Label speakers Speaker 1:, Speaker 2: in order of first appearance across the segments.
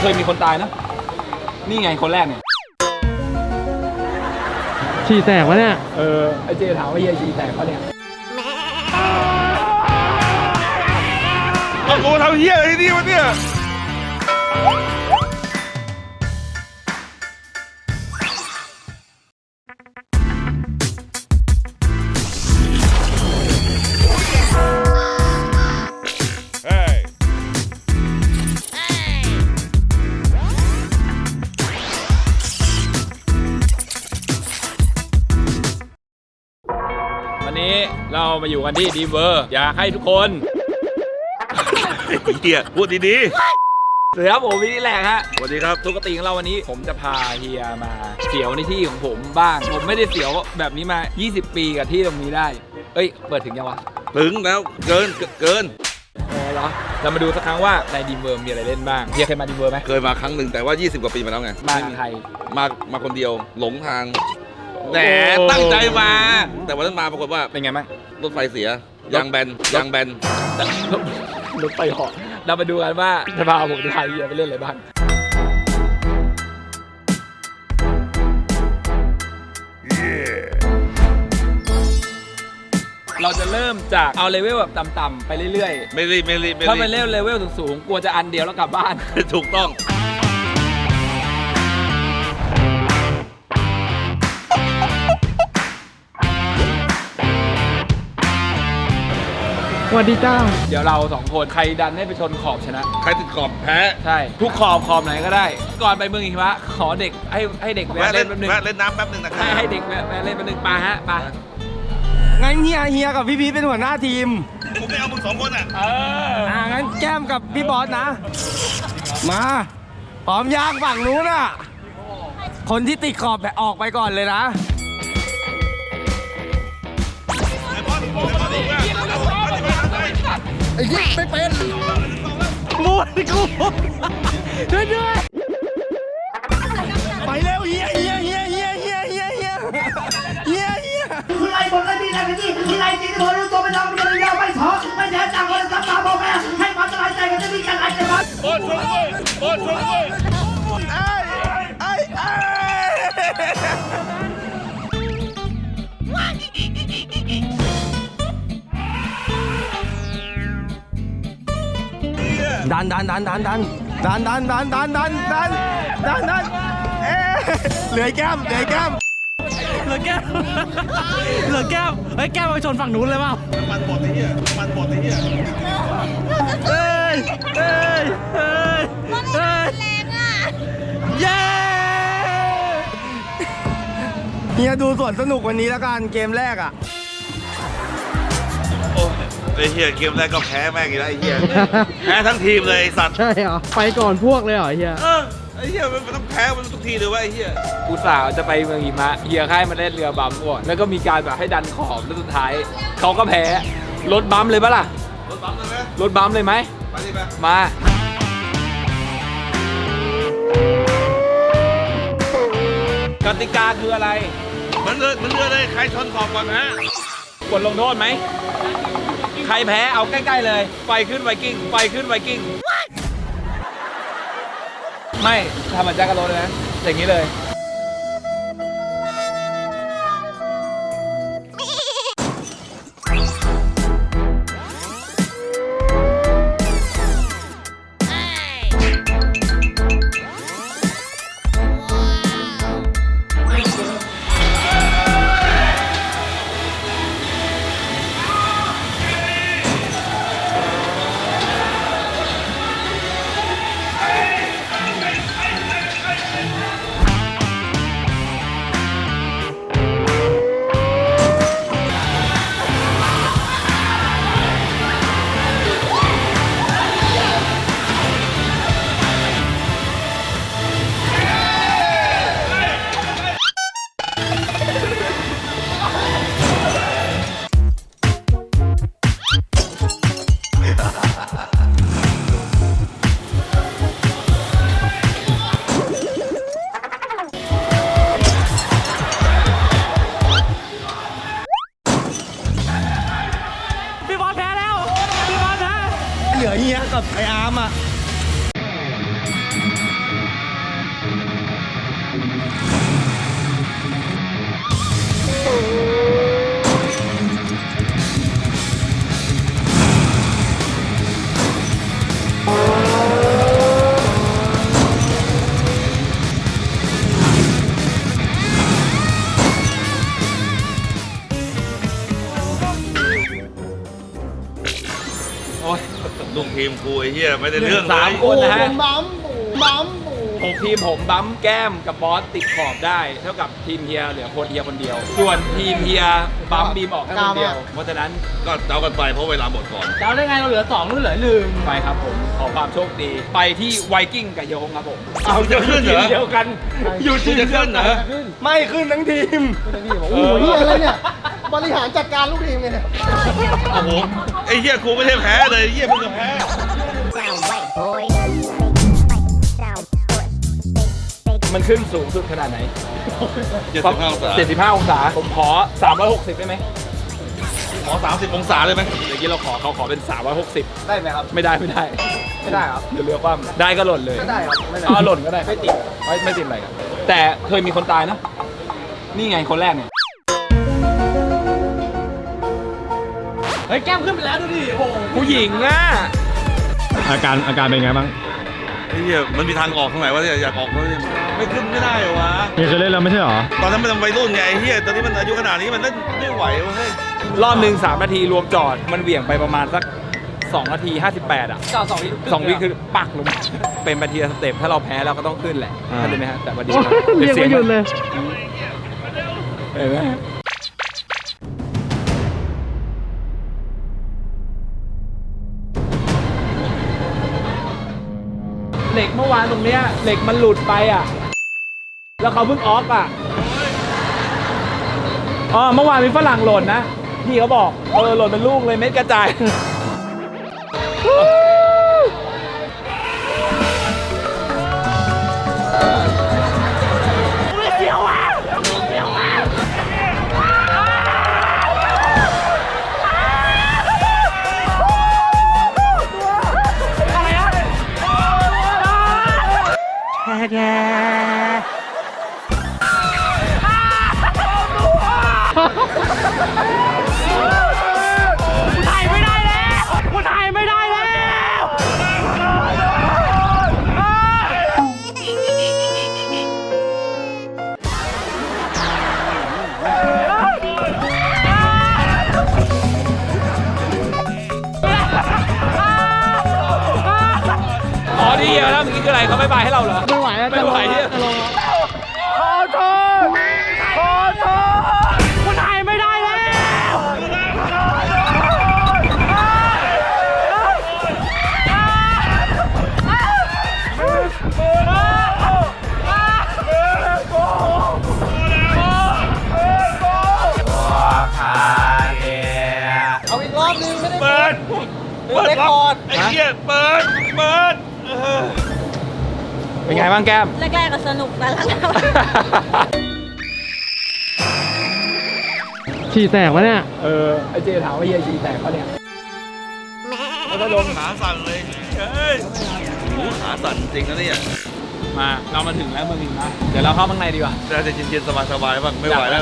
Speaker 1: เคยมีคนตายนะนี่ไงคนแรกเนี่ย
Speaker 2: ฉี่แตกวะเนี่ย
Speaker 1: ไอเจถามว่าเฮียฉี่แตกปะเนี่ย
Speaker 3: เอากูทำเฮียอะไรที่นี่วะเนี่ย
Speaker 1: วันนี้เรามาอยู่กันที่ดีเวอร์อยากให้ทุกคน
Speaker 3: เฮียพูดดี
Speaker 1: สวัสดีครับผมวินิแหลกฮะ
Speaker 3: ๆสวัสดีครับ
Speaker 1: ปกติของเราวันนี้ผมจะพาเฮียมาเสียวในที่ของผมบ้างผมไม่ได้เสียวแบบนี้มา 20 ปีกับที่ตรงนี้ได้เอ้ยเปิดถึงยังวะ
Speaker 3: ถึงแล้วเกิน
Speaker 1: เหรอเรามาดูสักครั้งว่าในดีเวอร์มีอะไรเล่นบ้างเฮียเคยมาดีเวอร์ไหม
Speaker 3: เคยมาครั้งหนึ่งแต่ว่า 20 กว่าปีมาแล้วไง
Speaker 1: มาใคร
Speaker 3: มาคนเดียวหลงทางแต่ตั้งใจมา แต่วันนั้นมาปรากฏว่า
Speaker 1: เป็นไงบ้าง
Speaker 3: รถไฟเสียยางแบน
Speaker 1: รถไฟเหาะเรามาดูกันว่าจะพาผมจะพาเฮียไปเล่นอะไรบ้างเราจะเริ่มจากเอาเลเวลแบบต่ำๆไปเรื่อยๆ
Speaker 3: ไม่รีบ
Speaker 1: ถ้าไปเล่นเลเวลสูงๆกลัวจะอันเดียวแล้วกลับบ้าน
Speaker 3: ถูกต้อง
Speaker 2: สวัสดีจ้า
Speaker 1: เดี๋ยวเราสองคนใครดันให้ไปชนขอบชนะ
Speaker 3: ใครติดขอบแพ้
Speaker 1: ใช่ทุกขอบไหนก็ได้ ก่อนไปเมืองหิมะขอเด็กให้เด็กแวะเล่นแป๊บนึง
Speaker 3: แวะเล่นน้ำแป๊บนึงนะครับ
Speaker 1: ให้เด็กแวะเล่นแป๊บนึงปาฮะปา
Speaker 2: งั้นเฮียกับพี่พีชเป็นหัวหน้าทีม
Speaker 3: กูไม่เอามึง2 คนอ่ะ
Speaker 2: งั้นแก้มกับพี่บอสนะ มาพร้อมยางฝั่งนู้นน่ะ คนที่ติดขอบแบบออกไปก่อนเลยนะ ไอ้ยี่ไม่เป็นมูดกูช่วยด้วยไปเร็วเฮีย
Speaker 4: คุณไล่บนไล่ดีไล่กันที่ที่ไล่จริงที่รู้ตัวไม่ยอมไม่ยอมไม่ท้อไม่แท้จังเลยสับตาบอกแม่ให้ความสบายใจกันจะมีกันอะไรจะมา
Speaker 3: โอนชนด้วย
Speaker 2: ดันเหลือแก้มเฮ้ยแก้มไปชนฝั่งนู้นเลยเปล่ามันหมดไอ้เหี้ยเฮ้ยแรงอ่ะเย้เฮียดูสวนสนุกวันนี้แล้วกันเกมแรกอ่ะ
Speaker 3: โอ้ไอ้เหี้ยเกมแรกก็แพ้แม่งอีกแล้วไอ้เหี้ยแพ้ทั้งทีมเลยไอ้สัตว์
Speaker 2: ใช่เหรอไปก่อนพวกเลยเหรอเฮีย
Speaker 3: ไอ้เหี้ยมันต้องแพ้มันทุกทีเลยว่าไอ้เหี้ย
Speaker 1: อุตส่าห์จะไปเมืองหิมะเฮียค่ายมาเล่นเรือบัมก่อนแล้วก็มีการแบบให้ดันขอบแล้วสุดท้ายเขาก็แพ้รถบัมเลยปะล่ะ
Speaker 3: รถบัมเลยไหม
Speaker 1: รถบัมเลยไหม
Speaker 3: ไปดิไป
Speaker 1: มากติกาคืออะไร
Speaker 3: มันเรือเลยใครชนขอบก่อนนะ
Speaker 1: กดลงโทษไหมใครแพ้เอาใกล้ๆเลยไฟขึ้นไวกิ้งไม่ทำเหมือนแจ็คกะโรเลยนะอย่างนี้เลย
Speaker 2: เหลือเฮียกับไออาร์มอ่ะ
Speaker 3: ทีมกูไอ้เหี้ยไม่ได้เรื่องเล
Speaker 1: สาม
Speaker 3: ย
Speaker 1: คนนะฮะ
Speaker 2: บัมบัม
Speaker 1: ผมทีมผมบัมแก้มกับบอสติดขอบได้ เท่ากับทีมเฮียเหลือคนเฮียคนเดียว ส่วนทีมเฮียบัมบีมออกแค่คนเดียว เพราะฉะนั้น
Speaker 3: ก็เจ้ากันไปเพราะเวลาหมดก่อน
Speaker 2: เจ้าได้ไงเราเหลือ2นู่นเหลือ1
Speaker 1: ไปครับผมขอความโชคดี ไปที่ไวกิ้งกับโยงครับผม
Speaker 3: เอาจะขึ้นเหรอ
Speaker 1: เดียวกัน อยู่ทีม
Speaker 3: จะขึ้นเหรอ
Speaker 2: ไม่ขึ้นทั้งทีม
Speaker 5: โอ้โหเฮียอะไรเนี่ย บริหารจัดการลูกทีมไงเนี่ย
Speaker 3: โอ้โหไอ้เหี้ยกูไม่ได้แพ้เลยไอ้เหี้ยมึงก็แพ้
Speaker 1: มันขึ้นสูงสุดขนาดไหน
Speaker 3: 75 องศา
Speaker 1: 75 องศา ผมขอ 360 ได้ไหม
Speaker 3: ขอ30 องศาเลยไหม
Speaker 1: เมื่อกี้เราเขาขอเป็น 360
Speaker 2: ได้ไหมครับ
Speaker 1: ไม่ได้ ไม่ได้
Speaker 2: ไม่ได้ครับ
Speaker 1: เดี๋ยวเรือคว่ำได้ก็หล่นเลย
Speaker 2: ไม่ได้ครับไม่ได้
Speaker 1: เอาหล่นก็ได้ไม่ติดไม่ติดอะไรครับแต่เคยมีคนตายนะ นี่ไงคนแรกเนี่ย
Speaker 2: เฮ้ยแก้มขึ้นไปแล้วดูดิโอ้โห
Speaker 1: ผู้หญิงอ่ะ
Speaker 6: อาการเป็นไงบ้าง
Speaker 3: ไอ้เหี้ยมันมีทางออกตรงไหนวะเนี่ยอยากออกแล้วเนี่ยไม่ขึ้นไม่ได้เหรอวะ
Speaker 6: มีเคยเล่นแล้วไม่ใช่เหรอ
Speaker 3: ตอนนั้นมันวัยรุ่นไงไอ้เหี้ยตอนนี้มันอายุขนาดนี้มันเล่นไม่ไหวเว้ย
Speaker 1: รอบหนึ่ง3 นาทีรวมจอด มันเหวี่ยงไปประมาณสัก 2 นาที 58 อ่ะ
Speaker 2: จอด2 วิ
Speaker 1: 2 วิคือปักลงมาเป็นไปทีละสเต็ปถ้าเราแพ้เราก็ต้องขึ้นแหละ
Speaker 6: อ่า
Speaker 1: เข้าใจไหมฮะแต่ว่าดี
Speaker 6: เรียกไม่หยุดเลย
Speaker 1: เห็นไหมเหล็กเมื่อวานตรงเนี้ยเหล็กมันหลุดไปอ่ะ แล้วเขาเพิ่งออฟอ่ะเมื่อวานมีฝรั่งหล่นนะพี่เขาบอกหล่นเป็นลูกเลยเม็ดกระจาย อ๋อนี่เฮียแล้วเมื่อกี้คืออะไรเขาไม่บายให้เราเหรอ
Speaker 5: ไม่ไหวแล้ว
Speaker 1: ไม่ไหวเนี่ย
Speaker 5: จะลงแล้ว
Speaker 2: เอาอีกรอบนึงไม่ได้
Speaker 3: เปิด
Speaker 2: เรคคอร์ด
Speaker 3: ไอ้เหี้ยเปิด
Speaker 1: เป็นไงบ้างแก้ม
Speaker 7: แรกๆก็สนุกแต่หลัง
Speaker 5: ฉี่แตกวะเนี่ย
Speaker 1: ไอเจถามว่าเฮียฉี่แตกปะเนี่ย
Speaker 3: แล้วก็ลงขาสั่นเลยเฮ้ยโอ้โหขาสั่นจริงนะเนี่ย
Speaker 1: มาเรามาถึงแล้วเมืองหินนะเดี๋ยวเราเข้าข้างในดีกว่า
Speaker 3: น่าจะเย็นๆสบายๆบ้างไม่ไหวแล้ว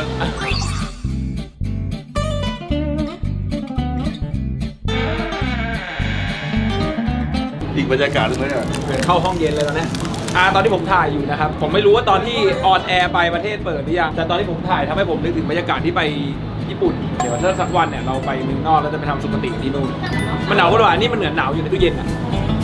Speaker 3: อีกบรรยากาศหนึงเลยอ่ะ
Speaker 1: เข้าห้องเย็นเลยตอนนี้ตอนที่ผมถ่ายอยู่นะครับ ผมไม่รู้ว่าตอนที่ออนแอร์ไปประเทศเปิดหรือยัง แต่ตอนที่ผมถ่ายทำให้ผมนึกถึงบรรยากาศที่ไปญี่ปุ่น เดี๋ยวถ้าสักวันเนี่ยเราไปเมืองนอกแล้วจะไปทำสุขติที่นู่น มันหนาวกว่านี่มันเหมือนหนาวอยู่ในตู้เย็นอ่ะ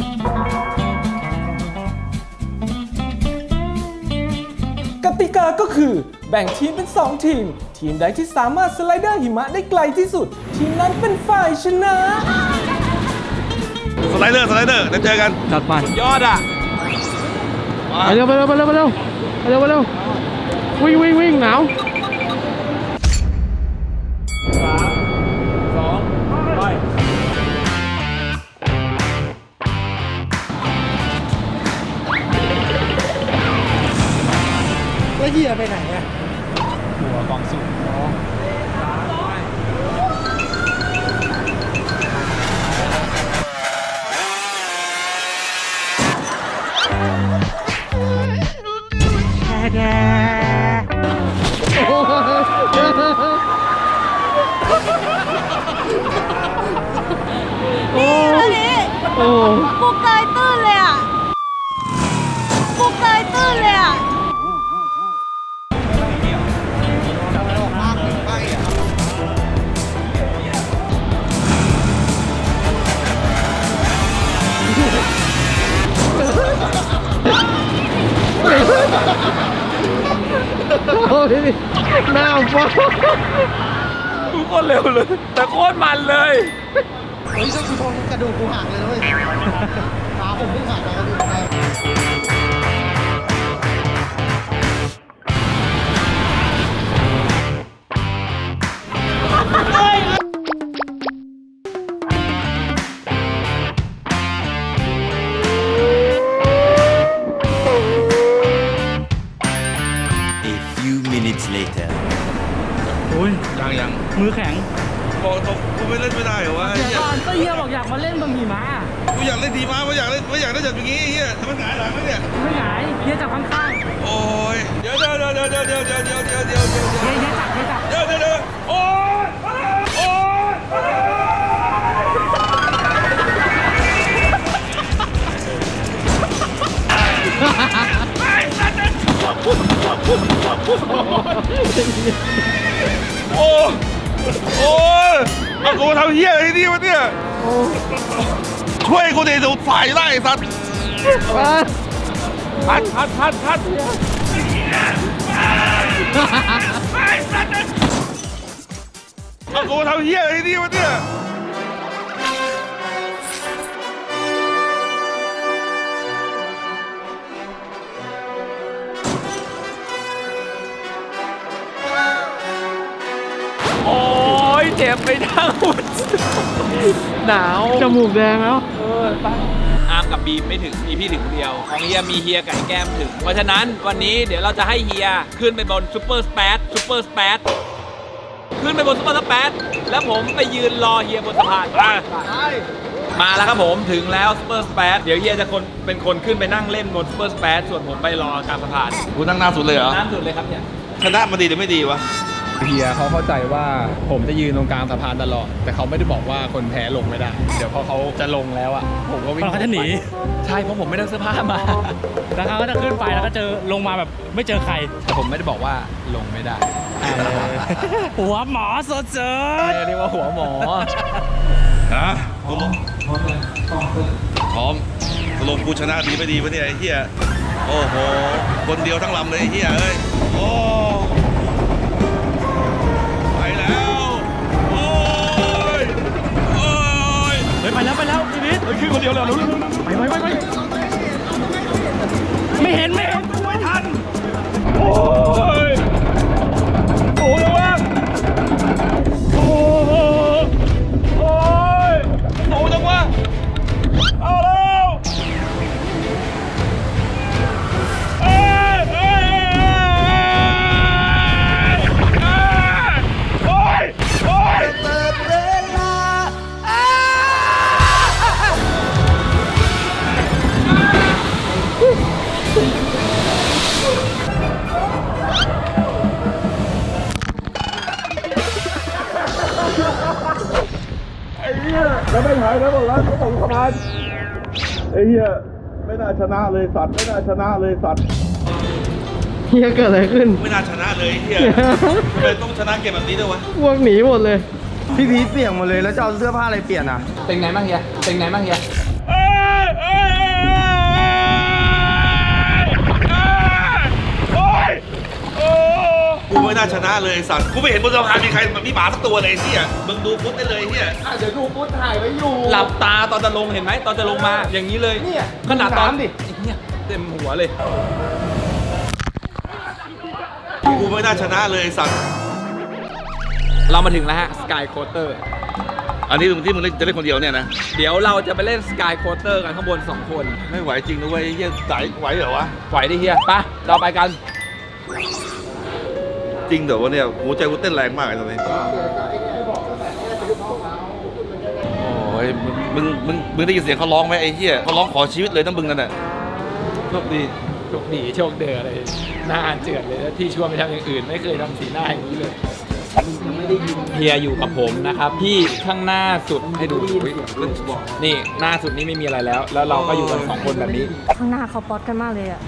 Speaker 8: กติกาก็คือแบ่งทีมเป็น 2 ทีม ทีมใดที่สามารถสไลเดอร์หิมะได้ไกลที่สุด ทีมนั้นเป็นฝ่ายชนะ
Speaker 3: สไลเดอร์จะเจอกัน
Speaker 5: จัดไป
Speaker 1: ยอดอ่ะ
Speaker 5: ไปเร็วไปเร็วไปเร็วไปเร็วไปเร็วไปเร็ววิ่งวิ่งวิ่งหนาว
Speaker 1: 3 2 ไป
Speaker 5: แล้วเฮียไปไหนอะ
Speaker 1: หัวกองสูง
Speaker 7: นี่แล้วนี่
Speaker 5: โอ้
Speaker 7: กูเกยตื้นเลยอ่ะกูเกยตื้นเลยอ่ะ
Speaker 5: หน้าฟ้า
Speaker 1: โคตรเร็วเลย แต่โคตรมันเลย
Speaker 2: เฮ้ยถ้ากูชนกระดูกกูหักเลยนะเว้ยขาผมเพิ่งหักกระดูกไป
Speaker 3: ยัง
Speaker 5: มือแข็ง
Speaker 3: บอกตรงกูไม่เล่นไม่ได้เหรอวะ
Speaker 5: เดี๋ยวก่อนก็เฮียบอกอยากมาเล่นบะหมี่ม้า
Speaker 3: กูอยากเล่นทีม้าไม่อยากเล่นจับอย่างงี้เฮียทำไมหงายหลังแล้วเนี่ย
Speaker 5: ไม่หงายเฮียจับข้างๆ
Speaker 3: โอ้ยเดี๋ยวเฮียจับโอ้ยโอ้ยเอากูทำเฮียอะไรนี่วะเนี่ยช่วยกูดิดูฝ่ายไล่สัตว์พัดเอากูทำเฮียอะไรนี่วะเนี่ย
Speaker 1: โอ้ยเจ็บไปทั้งหมดหนาว
Speaker 5: จมูกแดงแล้ว
Speaker 1: อาร์มกับบีมไม่ถึงมีพี่ถึงคนเดียว ของเฮียมีเฮียไก่แก้มถึง เพราะฉะนั้นวันนี้เดี๋ยวเราจะให้เฮียขึ้นไปบนซูเปอร์สเปซขึ้นไปบนซูเปอร์สเปซแล้วผมไปยืนรอเฮียบนสะพานมาแล้วครับผมถึงแล้วซูเปอร์สเปซเดี๋ยวเฮียจะเป็นคนขึ้นไปนั่งเล่นบนซูเปอร์สเปซส่วนผมไปรอกลางสะพาน
Speaker 3: กูนั่งหน้าสุดเลยเหรอ
Speaker 1: น้ำสุดเลยครับเนี่ย
Speaker 3: ชนะมันดีหรือไม่ดีวะ
Speaker 6: เฮียเขาเข้าใจว่าผมจะยืนตรงกลางสะพานตลอด แต่เขาไม่ได้บอกว่าคนแพ้ลงไม่ได้ เดี๋ยวพอเขาจะลงแล้วอ่ะ ผมก็วิ่ง
Speaker 5: เขาจะหนี
Speaker 6: ใช่เพราะผมไม่ได้เสื้อผ้ามา
Speaker 5: แล้วเขาก็จะขึ้นไปแล้วก็เจอลงมาแบบไม่เจอใคร
Speaker 6: แต่ผมไม่ได้บอกว่าลงไม่ได้
Speaker 5: หัวหมอสดเจอ
Speaker 6: เรียกว่าหัวหมอ
Speaker 3: ฮะพร้อมตกลงกูชนะดีไม่ดีวะเนี่ยไอ้เหี้ยโอ้โหคนเดียวทั้งลำเลยไอ้เหี้ยเอ้ยโอ้ไปแล้วโอ้ยโอ้ย
Speaker 5: เฮ้ยไปแล้วชีวิต
Speaker 3: ขึ้นคนเดียวเลยรู้
Speaker 5: ไปไม่เห็น
Speaker 3: โอ้ยโอ้ยวะโอ้โหโอ้ยโอ้จังวะเอาแล้วเอ้ยโอ้ยโอ้ยแล้วไม่หายแล้วหมดแล้วเขาส่งสะพานไอ้เหี้ยไม่น่าชนะเลยสัตว์ไม่น่าชนะเลยสัตว์
Speaker 5: เฮียเกิดอะไรขึ้น
Speaker 3: ไม่น่าชนะเลยไอ้เหี้ยทำไมต้องชนะเกมแบบนี้ด้วยวะ
Speaker 5: พวกหนีหมดเลย
Speaker 2: พี่พีทเปียกหมดเลยแล้วจะเอาเสื้อผ้าอะไรเปลี่ยนอ่ะ
Speaker 1: เป็นไงบ้างเฮีย
Speaker 3: เอ้ยโอ้ยโอ้กูไม่น่าชนะเลยไอ้สัตว์กูไม่เห็นบนสะพานมีใครมีหมาสักตัวเลยไอ้เหี้ยมึงดูฟุตได้เลยไอ้เหี้ย
Speaker 2: เดี๋ยวดูฟุตถ่ายไว้อยู่
Speaker 1: หลับตาตอนจะลงเห็นไหมตอนจะลงมาอย่างนี้เลย
Speaker 2: เนี่ย
Speaker 1: ขนาดตอน
Speaker 2: ดูน้ำดิ
Speaker 1: ไอ้เนี่ยเต็มหัวเลย
Speaker 3: กูไม่น่าชนะเลยไอ้สัตว์
Speaker 1: เรามาถึงแล้วฮะสกายโคเตอร์
Speaker 3: อันนี้ที่มึงจะเล่นคนเดียวเนี่ยนะ
Speaker 1: เดี๋ยวเราจะไปเล่นสกายโคเตอร์กันข้างบน 2 คน
Speaker 3: ไม่ไหวจริงนะเว้ยไอ้เหี้ยสายไหวเหรอวะ
Speaker 1: ไหวดิเฮียไปเราไปกัน
Speaker 3: จริงเหรอวะเนี่ยหัวใจกูเต้นแรงมากเลยตอนนี้โอ้ยมึงได้ยินเสียงเขาร้องไหมไอ้เหี้ยเขาร้องขอชีวิตเลยนะมึงนั่นน่ะโชคดี
Speaker 1: โชคดีโชคเดือเลยหน้าเจือดเลยที่ชวนไปทำอย่างอื่นไม่เคยทำสีหน้าอย่างนี้เลยเฮียอยู่กับผมนะครับที่ข้างหน้าสุดให้ดูอุ๊ยนี่หน้าสุดนี่ไม่มีอะไรแล้ว แล้วเราก็อยู่กัน2 คนแบบนี้
Speaker 7: ข้างหน้าเขาป๊อตกันมากเลยอ่ะ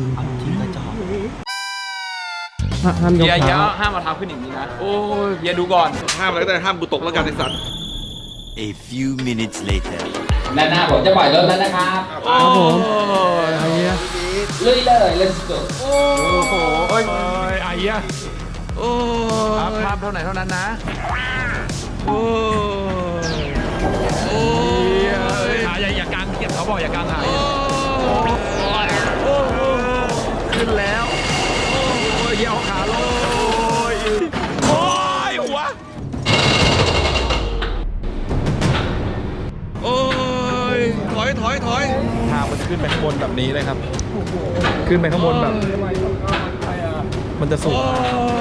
Speaker 5: ห้ามยก
Speaker 1: เฮีย
Speaker 5: เท้า
Speaker 1: ห้ามเอาเท้าขึ้นอย่างนี้นะโอ้ยเฮียดูก่อน
Speaker 3: ห้ามอะไรก็ได้ห้ามกูตกแล้วกันไอ้สัตว์
Speaker 9: A few minutes later.
Speaker 1: ด้านหน้าผมจะปล่อยรถแล้วนะครับ
Speaker 5: ครับผมไอ้เฮีย
Speaker 1: ลุยเลย let's go
Speaker 2: โอ้โหเอ้ย
Speaker 5: ไอ้
Speaker 3: อะโอ้ภาพเท่าไหนเท่านั้นนะโอ้โอ้ขาอย่ากางเก็บเขาบอกอย่ากางขาขึ้นแล้วโอ้ยเยี่ยวขาลงโอ้ยหัวโอ้ยถอยทางมันขึ้นไปข้างบนแบบนี้เลยครับขึ้นไปข้างบนแบบมันจะสูง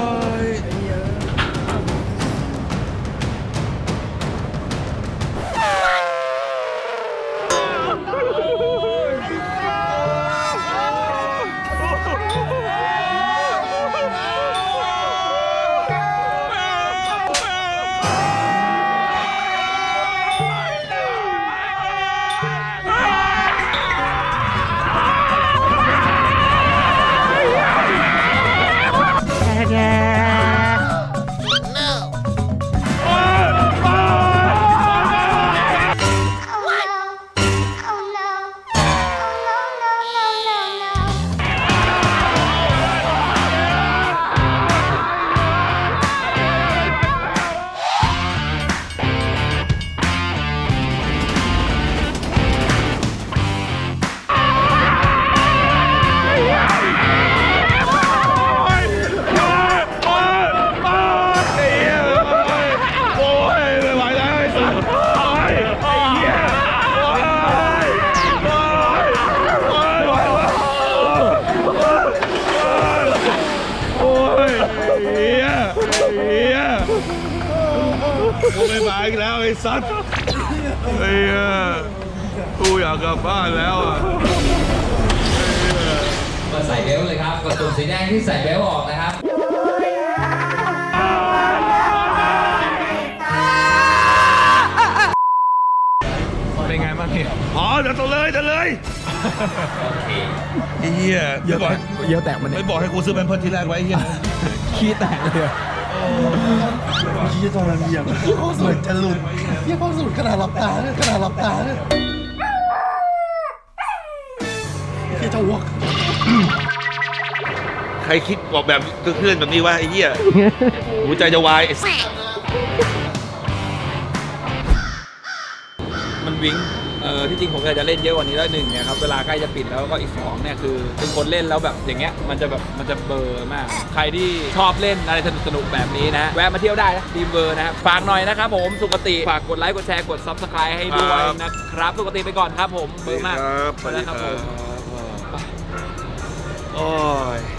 Speaker 3: กูไม่มาอีกแล้วไอ้สัตว์ไอ้กูอยากกลับบ้านแล้วอ่ะ
Speaker 10: ก็ใส่เบลต์เลยครับ กดปุ่มสีแดงที่ใส่เบลต์ออกนะครับ
Speaker 3: เป็นไงบ้างพี่อ๋อเดี๋ยวจะเลยไอ้เหี้ยเยอะแตกมันเนี่ยไม่บอกให้กูซื้อแพมเพิร์สทีแรกไว้ไอ้เหี้ยขี้แตกเลยขี้ตอนนั้นยังเหมือนจะหลุดพี่พ่อสุดขนาดหลับตาเนี่ยพี่จะวอกใครคิดบอกแบบเคลื่อนแบบนี้วะไอ้เหี้ยหัวใจจะวาย
Speaker 1: มันวิ้งที่จริงผมอยากจะเล่นเยอะกว่านี้แล้วหนึ่งเนี่ยครับเวลาใกล้จะปิดแล้วก็อีก2เนี่ยคือเป็นคนเล่นแล้วแบบอย่างเงี้ยมันจะเบลอมากใครที่ชอบเล่นอะไรสนุกแบบนี้นะแวะมาเที่ยวได้นะทีมเบอร์นะครับฝากหน่อยนะครับผมสุขติฝากกดไลค์กดแชร์กด Subscribe ให้ด้วยนะครับสุขติไปก่อนครับผมเบอร์มาก
Speaker 3: สวัสดีครับโอ้ย